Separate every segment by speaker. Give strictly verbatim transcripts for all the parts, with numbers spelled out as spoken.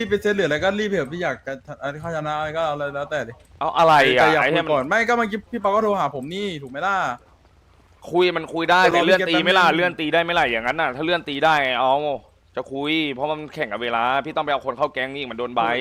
Speaker 1: พี่ไปเซตเหลืออะไรก็รีบเถอะพี่อยากจะอะไรข้าชนะอะไรก็เอาอะไรแล้วแต่ดิ
Speaker 2: เอาอะไร
Speaker 1: แต่
Speaker 2: อ่ะ
Speaker 1: อยาก
Speaker 2: ไอ้
Speaker 1: คุ
Speaker 2: เนี่ย
Speaker 1: ย
Speaker 2: มัน
Speaker 1: ก่อนไม่ก็เมื่อกี้พี่ปอก็โทรหาผมนี่ถูกไหมล่ะ
Speaker 2: คุยมันคุยได้
Speaker 1: แต่
Speaker 2: แต่
Speaker 1: รอ
Speaker 2: เลื่อน
Speaker 1: พี่
Speaker 2: ตี
Speaker 1: เกต
Speaker 2: ไม่ล่ะ
Speaker 1: แป๊บนึง
Speaker 2: เลื่อนตีได้ไหม่ล่ะอย่างนั้นน่ะถ้าเลื่อนตีได้เอาจะคุย เพราะมันแข่งกับเวลาพี่ต้องไปเอาคนเข้าแก๊งนี่มันโดนใบ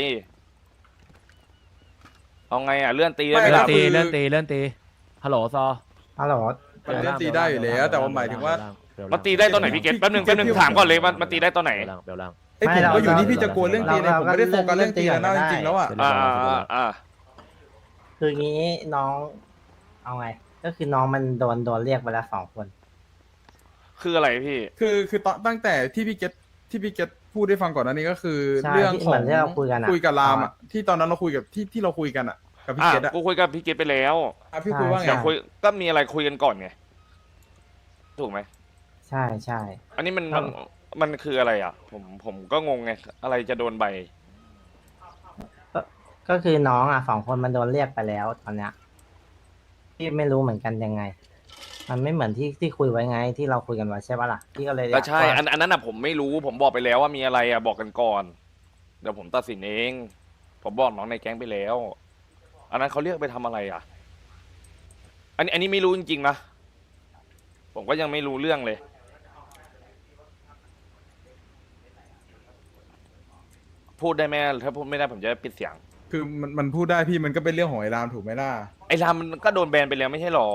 Speaker 2: เอาไงอ่ะเลื่อนตีได้ไหม
Speaker 1: ไม่
Speaker 3: เลื่อ
Speaker 2: ล่ะ
Speaker 3: นตีเลื่อนตีเลื่อนตีฮัลโหลซอ
Speaker 4: ฮัลโหล
Speaker 1: มันเล่นตีได้อยู่แล้วแต่ว่าหมายถึงว่า
Speaker 2: มันตีได้ตอนไหนพี่เกตแป๊บนึงแป๊บนึงถามก่อนเลยมันมันตีได้ตอนไหน
Speaker 3: เบลล่าง
Speaker 1: ไอ้ผมก็อยู่นี่พี่จะกลัวเรื่องตีเลยผมไม่ได้โฟกัสเรื่องตีแล้วนะจริงๆแล้วอ่ะ
Speaker 2: อ่าอ่าอ่า
Speaker 4: คืองี้น้องเอาไง ก็คือน้องมันโดนโดนเรียกไปแล้วสองคน
Speaker 2: คืออะไรพี่
Speaker 1: คือคือตอนตั้งแต่ที่พี่เกตที่พี่เกตพูดได้ฟังก่อนหน้านี้ก็คือ
Speaker 4: ใช่
Speaker 1: เรื่อง
Speaker 4: ที่
Speaker 1: ข
Speaker 4: เห
Speaker 1: อ
Speaker 4: มื
Speaker 1: ง
Speaker 4: อนที่เราคุยกันอะ
Speaker 1: คุยกับรามอ่ะที่ตอนนั้นเราคุยกับที่ที่เราคุยกันอ่ะกับพี่
Speaker 2: อ่ะ
Speaker 1: เกตอ่ะ
Speaker 2: กูคุยกับพี่เกตไปแล้ว
Speaker 1: อ่ะพี่คุยว่าไง
Speaker 2: อยากคุยก็มีอะไรคุยกันก่อนไงถูกไหม
Speaker 4: ใช่ใช่
Speaker 2: อันนี้มัน
Speaker 4: ครั
Speaker 2: มัน
Speaker 4: บ
Speaker 2: มันคืออะไรอ่ะ ผมผมก็งงไงอะไรจะโดนใบ
Speaker 4: ก็ก็คือน้องอ่ะสองคนมันโดนเรียกไปแล้วตอนเนี้ยพี่ไม่รู้เหมือนกันยังไง มันไม่เหมือนที่ที่คุยไว้ไงที่เราคุยกันไว้ใช่ปะล่ะพี่ก็เลยอยา
Speaker 2: ก็
Speaker 4: ก
Speaker 2: ใช่
Speaker 4: ว่า
Speaker 2: อันอันนั้นอ่ะผมไม่รู้ผมบอกไปแล้วว่ามีอะไรอ่ะบอกกันก่อน เดี๋ยวผมตัดสินเอง ผมบอกน้องในแก๊งไปแล้ว อันนั้นเขาเรียกไปทำอะไรอ่ะ อันนี้อันนี้ไม่รู้จริงๆนะผมก็ยังไม่รู้เรื่องเลย พูดได้ไหมถ้าพูดไม่ได้ผมจะปิดเสียง
Speaker 1: คือมันมันพูดได้พี่มันก็เป็นเรื่องของไอ้รามถูกไหมล่ะ
Speaker 2: ไอ้รามมันก็โดนแบนไปแล้วไม่ใช่หรอ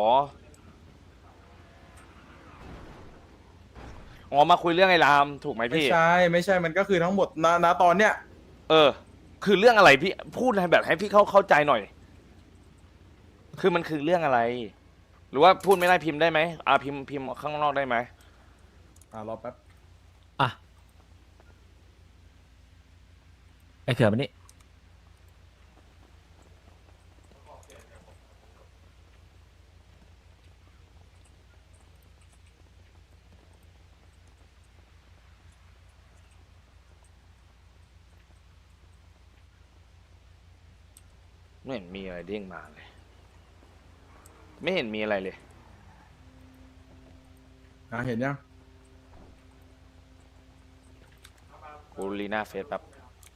Speaker 2: อ๋อมาคุยเรื่องไอ้รามถูกไหม
Speaker 1: ไม่
Speaker 2: พี่
Speaker 1: ใช่ไม่ใช่มันก็คือทั้งหมดณณตอนเนี้ย
Speaker 2: เออ คือเรื่องอะไรพี่พูดให้แบบให้พี่เข้าเข้าใจหน่อย คือมันคือเรื่องอะไร หรือว่าพูดไม่ได้พิมพ์ได้ไหมอ่าพิมพ์พิมพ์ข้างนอกได้ไหม
Speaker 1: อ่ารอแป๊บ
Speaker 3: อ่ะไอ้เขื่อนมันนี่
Speaker 2: ไม่เห็นมีอะไรเด้งมาเลย ไม่เห็นมีอะไรเลย
Speaker 1: อ่ะเห็นยัง
Speaker 2: กูรีหน้าเฟซแบบ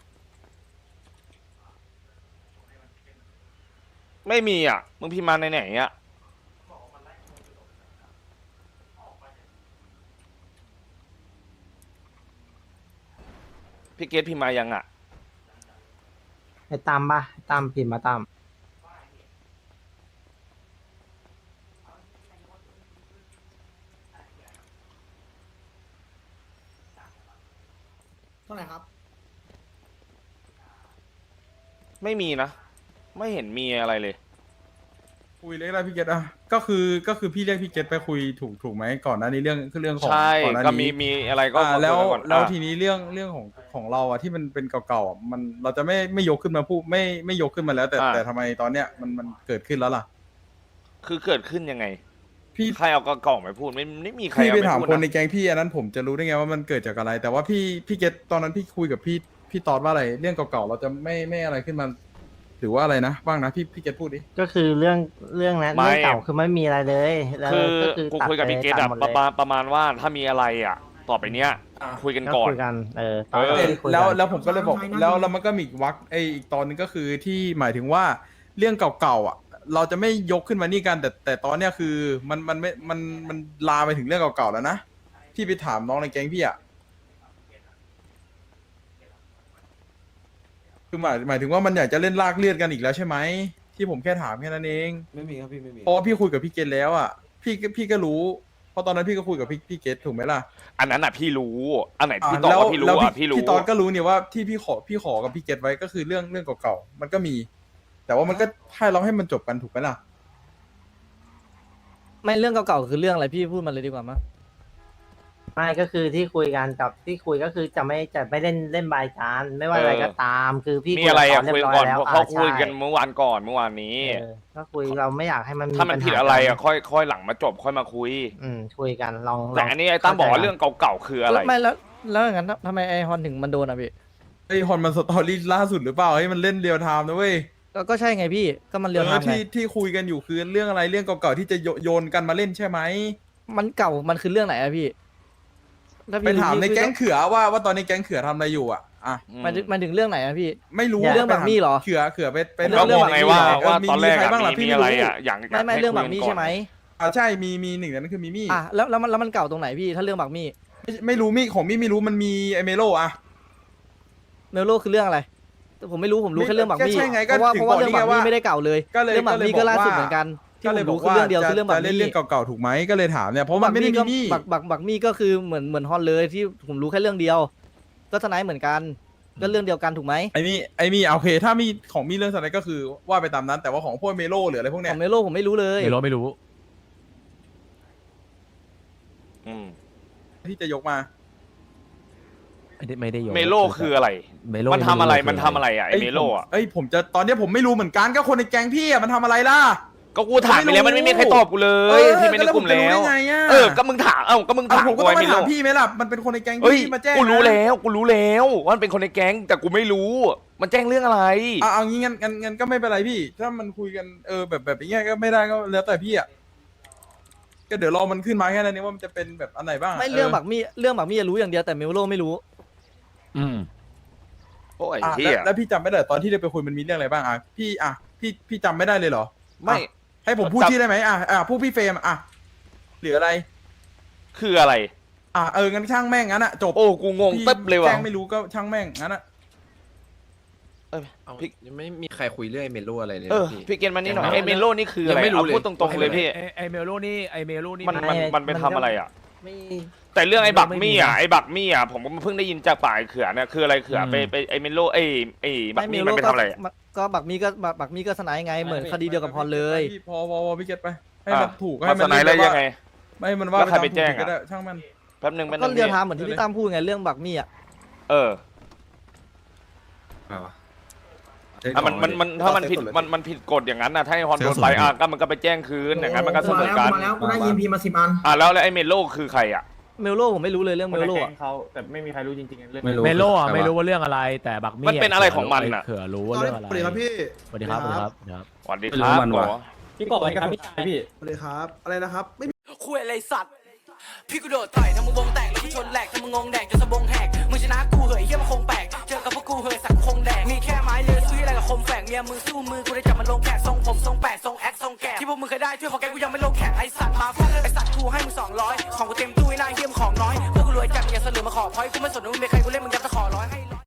Speaker 2: ไม่มีอ่ะ มึงพิมพ์มาในไหนอ่ะพี่เกตพิมพ์มายังอ่ะ
Speaker 4: ไอ้ตามปะไอ้ตามพิมพ์มาตาม
Speaker 5: เท่าไหร่ครับ
Speaker 2: ไม่มีนะ ไม่เห็นมีอะไรเลย
Speaker 1: คุยเรื่องอะไรพี่เกตอ่ะก็คือก็คือพี่เรียกพี่เกตไปคุยถูกถูกไหมก่อนหน้านี้เรื่องคือเรื่องของ
Speaker 2: ใช่
Speaker 1: ก่อนหน้า
Speaker 2: ก็มี
Speaker 1: นี้
Speaker 2: มีอะไรก็
Speaker 1: อ่า
Speaker 2: ก็คุย
Speaker 1: แล้ว
Speaker 2: กันก่อน
Speaker 1: แล้ว
Speaker 2: อ่ะ
Speaker 1: ทีนี้เรื่องเรื่องของของเราอ่ะที่มันเป็นเก่าๆอ่ะมันเราจะไม่ไม่ยกขึ้นมาพูดไม่ไม่ยกขึ้นมาแล้ว แต่แต่ทำไมตอนเนี้ยมันมันเกิดขึ้นแล้วล่ะ
Speaker 2: คือเกิดขึ้นยังไง
Speaker 1: พี่
Speaker 2: ใครเอากระกล่องไปพูดไม่ไม่มีใคร
Speaker 1: พี่
Speaker 2: เอา
Speaker 1: ไป
Speaker 2: ไป
Speaker 1: ถาม
Speaker 2: พูด
Speaker 1: คนใน
Speaker 2: นะ
Speaker 1: แก๊งพี่อันนั้นผมจะรู้ได้ไงว่ามันเกิดจากอะไร แต่ว่าพี่พี่เกตตอนนั้นพี่คุยกับพี่พี่ตอดว่าอะไรเรื่องเก่าๆเราจะไม่ไม่อะไรขึ้นมา หรือว่าอะไรนะบ้างนะพี่พี่เกตพูดดิ
Speaker 4: ก็คือเรื่องเรื่องนั้น
Speaker 2: ไม่
Speaker 4: เรื่องเก่าคือไม่มีอะไรเลยแล้ว
Speaker 2: คือ
Speaker 4: ก็คือ
Speaker 2: กู
Speaker 4: ตัด
Speaker 2: คุยกับ
Speaker 4: ไป
Speaker 2: พี่เกต
Speaker 4: ตั
Speaker 2: อะ
Speaker 4: ดหมด
Speaker 2: ป
Speaker 4: เล
Speaker 2: ระ
Speaker 4: ย
Speaker 2: มาณประมาณว่าถ้ามีอะไรอ่ะ ต่อไปเนี้ย คุยกัน
Speaker 4: ก็
Speaker 2: ก่อน
Speaker 4: คุยกันเออตอน
Speaker 2: เออ
Speaker 4: นั้นที่คุย
Speaker 1: แล้ว
Speaker 4: กัน
Speaker 1: แล้วผมก็เลยบอก
Speaker 5: ใช่นะ
Speaker 1: แล้วแล้วมันก็มีอีกวักไออีกตอนนึงก็คือที่หมายถึงว่าเรื่องเก่าๆอ่ะ เราจะไม่ยกขึ้นมานี่กันแต่แต่ตอนเนี้ยคือมันมันไม่มันมันลามไปถึงเรื่องเก่าๆแล้วนะพี่ไปถามน้องในแก๊งพี่อ่ะคือหมายหมายถึงว่ามันอยากจะเล่นลากเลือดกันอีกแล้วใช่ไหมที่ผมแค่ถามแค่นั้นเอง
Speaker 6: ไม่มีครับพี่ไม่มี
Speaker 1: เพราะว่าพี่คุยกับพี่เกตแล้วอ่ะพี่ก็พี่ก็รู้เพราะตอนนั้นพี่ก็คุยกับพี่พี่เกตถูกไหมล่ะ
Speaker 2: อันนั้นอ่ะพี่รู้ อันไหน
Speaker 1: อ่า
Speaker 2: พี่ตอบ
Speaker 1: แล้ว
Speaker 2: ว่าพี่รู้
Speaker 1: แล้ว
Speaker 2: อ่ะพี่รู้
Speaker 1: พี่ตอนก็รู้เนี่ยว่าที่พี่ขอพี่ขอกับพี่เกตไว้ก็คือเรื่องเรื่องเก่าๆมันก็มี แต่ว่ามันก็ให้เราให้มันจบกันถูกไหมล่ะ
Speaker 7: ไม่เรื่องเก่าๆคือเรื่องอะไรพี่พูดมาเลยดีกว่ามั้ย
Speaker 4: ไม่ก็คือที่คุยกันกับที่คุยก็คือจะไม่จะไม่เล่นเล่นบายการไม่ว่าอะไรก็ตาม คือพี่
Speaker 2: มีอะไรอ่ะ
Speaker 4: คุ
Speaker 2: คุย
Speaker 4: ย
Speaker 2: ก่
Speaker 4: กั
Speaker 2: อน
Speaker 4: บ
Speaker 2: เพราะ
Speaker 4: เขา
Speaker 2: เขา
Speaker 4: เรียบร้อยแล้ว
Speaker 2: คุยกัน
Speaker 4: อ่า
Speaker 2: เมื่อวานก่อนเมื่อวานนี้
Speaker 4: ใช่เออก็คุยเราไม่อยากให้มัน
Speaker 2: ถ้ามัน
Speaker 4: ปัญห
Speaker 2: ผิดอะไรอ่ะ
Speaker 4: กัน
Speaker 2: ค่อยค่อยหลังมาจบค่อยมาคุย
Speaker 4: อืมคุยกันลองล
Speaker 2: แต่
Speaker 4: อง
Speaker 2: อันนี้ไอ้ตั้มบอกว่าเรื่องเก่าๆคืออะไร
Speaker 7: ไม่แล้วแล้วอย่างนั้นทำไมไอฮอนถึงมันโดนอ่ะพี่
Speaker 1: ไอฮอนมันสตอรี่ล่าสุดหรือเปล่าให้มันเล่นเรียลไทม์นะเว้ย
Speaker 7: ก็ก็ใช่ไงพี่ก็มันเรียว
Speaker 1: เอ
Speaker 7: ทา
Speaker 1: อ
Speaker 7: มไง
Speaker 1: ที่ที่คุยกันอยู่คือเรื่องอะไรเรื่องเก่าๆที่จะโยโยนกันมาเล่นใช่ไหม
Speaker 7: มันเก่ามันคือเรื่องไหนอะพี่ถ้
Speaker 1: ไป
Speaker 7: พี่
Speaker 1: ถามใน
Speaker 7: พี่
Speaker 1: แก๊งเขือว่าว่าตอนนี้แก๊งเขือทำอะไรอยู่อ่ะอ่ะ
Speaker 7: หมันมันถึงเรื่องไหนอะพี่
Speaker 1: ไม่รู้
Speaker 7: เรื่องแบบนี้เหรอ
Speaker 1: เขื่อเขื่อไปไป
Speaker 7: เรื่
Speaker 2: ก็
Speaker 7: อง
Speaker 2: ง
Speaker 7: เรื่อง
Speaker 2: งไงว่า
Speaker 1: เออ
Speaker 2: ว่า
Speaker 1: มี
Speaker 2: ตอนแรก
Speaker 1: มีใคร
Speaker 2: อะ
Speaker 1: บ้างล่ะ
Speaker 2: มี
Speaker 1: พี่
Speaker 2: มี
Speaker 1: ไม่
Speaker 2: อะไร
Speaker 1: รู้
Speaker 2: อะอย่าง
Speaker 7: ไม่ไม่เรื่องบักมี่ใช่ไหม
Speaker 1: อ่าใช่มีมีหนึ่งในนั้นคือมีมี่
Speaker 7: อ่ะแล้วแล้วมันแล้วมันเก่าตรงไหนพี่ถ้าเรื่องบักมี่
Speaker 1: ไม่ไม่รู้มี่ของมี่ไม่รู้มันมีไอเมโลอะ
Speaker 7: เมลโลคือเรื่องอะไรแต่ผมไม่รู้ผมรู้
Speaker 1: ไม่
Speaker 7: แค่เรื่องบักมี่
Speaker 1: ก็ใช่ไง
Speaker 7: เพราะว่า
Speaker 1: ก็ถึ
Speaker 7: เพ
Speaker 1: ง
Speaker 7: ราะว่า
Speaker 1: บอก
Speaker 7: เรื่องบัก
Speaker 1: นี่ไง
Speaker 7: มี่
Speaker 1: ว่า
Speaker 7: ไม่ได้เก่าเลย
Speaker 1: ก็เลย
Speaker 7: เรื่องบักมี่ก็ล่าสุด
Speaker 1: ก็เลยบอกว่า
Speaker 7: เหมือนกันที่
Speaker 1: ก็
Speaker 7: ผ
Speaker 1: เลย
Speaker 7: ม
Speaker 1: บอ
Speaker 7: รู้
Speaker 1: ก
Speaker 7: คือ
Speaker 1: ว่า
Speaker 7: เรื่องเดียว
Speaker 1: จะ
Speaker 7: คือเรื่องบั
Speaker 1: จะ
Speaker 7: ก
Speaker 1: เล่น
Speaker 7: มี่
Speaker 1: เรื่องเก่าๆถูกไหมก็เลยถามเนี่ยเพราะมันไม่ได้มีมี่
Speaker 7: บักบักบักมี่ก็คือเหมือนเหมือนฮอนเลยที่ผมรู้แค่เรื่องเดียว ก็สไนด์เหมือนกันก็เรื่องเดียวกันถูกไหม
Speaker 1: ไอ้มี่ไอ้มี่โอเค ถ้ามีของมีเรื่องสไนก็คือว่าไปตามนั้น แต่ว่าของพวกเมโลหรืออะไรพวก
Speaker 7: ข
Speaker 1: เนี้
Speaker 7: อย งเมลโลผมไม่รู้เลย
Speaker 3: ไม่รู้ไม่รู้
Speaker 2: อืม
Speaker 1: ที่จะยกมา
Speaker 3: ไม่ได้ไม่ได้โยน
Speaker 2: เมโลคืออะไร
Speaker 3: เมโล
Speaker 2: มันทำอะไร
Speaker 3: คื
Speaker 2: มันทำอะไรอะไอเมโลอะ
Speaker 1: เอ้ยผมจะตอนเนี้ยผมไม่รู้เหมือนกันก็คนในแก๊งพี่อะมันทำอะไรล่ะ
Speaker 2: ก็กูถามไปแล้วมันไม่มีใครตอบกูเล
Speaker 1: เอย อ
Speaker 2: ที่ไม่ได้กลุ่ม
Speaker 1: แล้
Speaker 2: แล้ว ว
Speaker 1: ผมจะรู้ได้ไงอะ
Speaker 2: เออก็มึงถามเอ้าก็มึง
Speaker 1: เอา
Speaker 2: ถาม
Speaker 1: ผมก็
Speaker 2: กู
Speaker 1: ต้อง
Speaker 2: ไอ
Speaker 1: ไป
Speaker 2: เมโล
Speaker 1: ถามพี่ไหมล่ะมันเป็นคนในแก๊ง
Speaker 2: เอ้ย
Speaker 1: พี่มาแจ้ง
Speaker 2: กูรู้
Speaker 1: นะ
Speaker 2: แล้วกูรู้แล้วว่ามันเป็นคนในแก๊งแต่กูไม่รู้ มันแจ้งเรื่องอะไร
Speaker 1: เอาเอางี้งั้นงั้นงั้นก็ไม่เป็นไรพี่ ถ้ามันคุยกันเออแบบแบบอย่างเงี้ยก็ไม่ได้ก็แล้วแต่พี่อะก็เดี๋ยวรอมันขึ้นมาแค่นั้นเองว่ามันจะเป็นแบบอันไหนบ้างะ
Speaker 7: ไม่เรื่องบักมี่เรื่องบักมี่รู้อย่างเดียวแต่เมลโลไม่รู้
Speaker 3: อืม
Speaker 2: โอ้ย
Speaker 1: อ่ะ
Speaker 2: เฮี
Speaker 1: แล้ว
Speaker 2: ย
Speaker 1: แล้วพี่จำไม่ได้ตอนที่ได้ไปคุยมันมีเรื่องอะไรบ้างอ่ะพี่อ่ะพี่พี่จำไม่ได้เลยเหรอ
Speaker 2: ไม่
Speaker 1: อ่ะให้ผมพูด
Speaker 2: จำ
Speaker 1: ชื่อได้ไหมอ่ะอ่ะพูดพี่เฟรมอ่ะหรืออะไร
Speaker 2: คืออะไร
Speaker 1: อ่ะเอองั้นช่างแม่งงั้นอ่ะจบ
Speaker 2: โอ้กูงง
Speaker 1: พี่
Speaker 2: ตึ๊บเลยว่ะ
Speaker 1: แจ้งไม่รู้ก็ช่างแม่งงั้นอ่ะ
Speaker 2: เอ้ย
Speaker 5: เอา
Speaker 2: พี่
Speaker 5: ยังไม่มีใครคุยเรื่องไอ้เมโลอะไรเลย
Speaker 2: เออ
Speaker 5: นะพี่
Speaker 2: พี่เกณฑ์มานี่หน่อย
Speaker 5: ยัง
Speaker 2: ไอ
Speaker 5: ไม่
Speaker 2: เมโลนี่คืออะไร
Speaker 5: ยังไม่รู้
Speaker 2: เอา
Speaker 5: เลย
Speaker 2: พูดตรงๆเลยพี่
Speaker 3: ไอ้ไอเมโลนี่ไอเมโลนี่
Speaker 2: มัน
Speaker 3: มัน
Speaker 2: มันมันไปทำอะไรอ่ะ
Speaker 4: ไม่
Speaker 2: แต่เรื่องไอ้บักมี่อ่ะ
Speaker 3: ไม่มีนะ
Speaker 2: ไอ้บักมี่อ่ะผมก็เพิ่งได้ยินจากปากไอ้เขื่อนเนี่ยคืออะไรเขื่อน
Speaker 3: อืม
Speaker 2: ไปไปไอ้เมโลไอ้ไอ้บัก
Speaker 7: ไม่เม
Speaker 2: มี่
Speaker 7: ล
Speaker 2: มั
Speaker 7: โล
Speaker 2: นไป
Speaker 7: ก็
Speaker 2: ทำอะไรอะ
Speaker 7: ก็บักมี่ก็บักบักมี่ก็สไนด์ไงเหมือนคดีเดียวกับฮอนเลย
Speaker 1: พี่พอพอพอพี่เก็ตไปให้มัน
Speaker 2: อ่ะ
Speaker 1: ถูก
Speaker 2: มา
Speaker 1: ให้
Speaker 2: ส
Speaker 1: มัน
Speaker 2: ไนด์แล้วยังไง
Speaker 1: ไม่ให้มันว่า
Speaker 2: แล้วใครไป
Speaker 1: ตาม
Speaker 2: แจ้ง
Speaker 1: ถูกก็
Speaker 2: อ่ะ
Speaker 1: ได้ช่างมัน
Speaker 2: แป๊บหนึงแป๊บห
Speaker 7: ก็
Speaker 2: นึง
Speaker 7: เรียว
Speaker 2: พี่
Speaker 7: ทามเหมือนที่พี่ตั้มพูดไงเรื่องบักมี่อ่ะ
Speaker 2: เอออ่ะมันมันมันถ้ามันผิดมันมันผิดกฎอย่างนั้นนะถ้าให้ฮอนโดนไปอ่ะก็มันก็ไปแจ้งคืนอย่างนั้นมันก็เสมอกัน
Speaker 6: มาแล้วกูได้ยินพีมาสิบอัน
Speaker 2: อ่ะแล้วแล้วไอ้เมโลคือใครอ่ะ
Speaker 7: เมลโลผมไม่รู้เลยเรื่องเมลโลอะ
Speaker 8: เขาแต่ไม่มีใครรู้จริงๆเรื่อง
Speaker 5: ไม่รู้
Speaker 3: เมโลอ่ะ
Speaker 5: ใครวะ
Speaker 3: ไม่รู้ว่าเรื่องอะไร แต่บักมี่
Speaker 2: มันเป็นอะไรของมันน่ะ
Speaker 3: เขื่อรู้ว่าเรื่องอะไร
Speaker 6: สวัสดีครับพี่
Speaker 3: สวัสดีครับสวัสดีครับสวัสดีครับ
Speaker 2: สวัสดี
Speaker 5: ไม่
Speaker 2: ค
Speaker 5: รู้
Speaker 2: รับ
Speaker 5: มัน
Speaker 2: หม
Speaker 5: ว่ะ
Speaker 2: อ
Speaker 8: พี่กบอะไรครับพี่ชายพี่
Speaker 6: สวัสดีครับ อะไรนะครับ ไม่
Speaker 9: คุยอะไรสัตว์ พี่กูโดดต่อยทำมึงวงแตกแล้วกูชนแหลกทำมึงงงแดกจนสะบงแหกมึงชนะกูเหยเฮียมันคงแปลกเจอกับพวกกูเหยสักคงแดกมีแค่ไม้เลือยสู้อะไรกับคมแฝกเมียมือสู้มือกูได้จับมันลงแขกทรงผมทรงแปดทรงแอคทรงแกะที่พวกมึงเคยได้ช่วยของแกกูยังไม่ลงแขกไอสัตว์มาฟาดไอสัตว์กูให้มึงสองร้อยของกูเต็มตู้ไอ้นายเฮียมของน้อยพวกกูรวยจัดอย่าเสลือมาขอพอยกูไม่สนว่ามึงเป็นใครกูเล่นมึงยัดตะขอร้อยให้ร้อย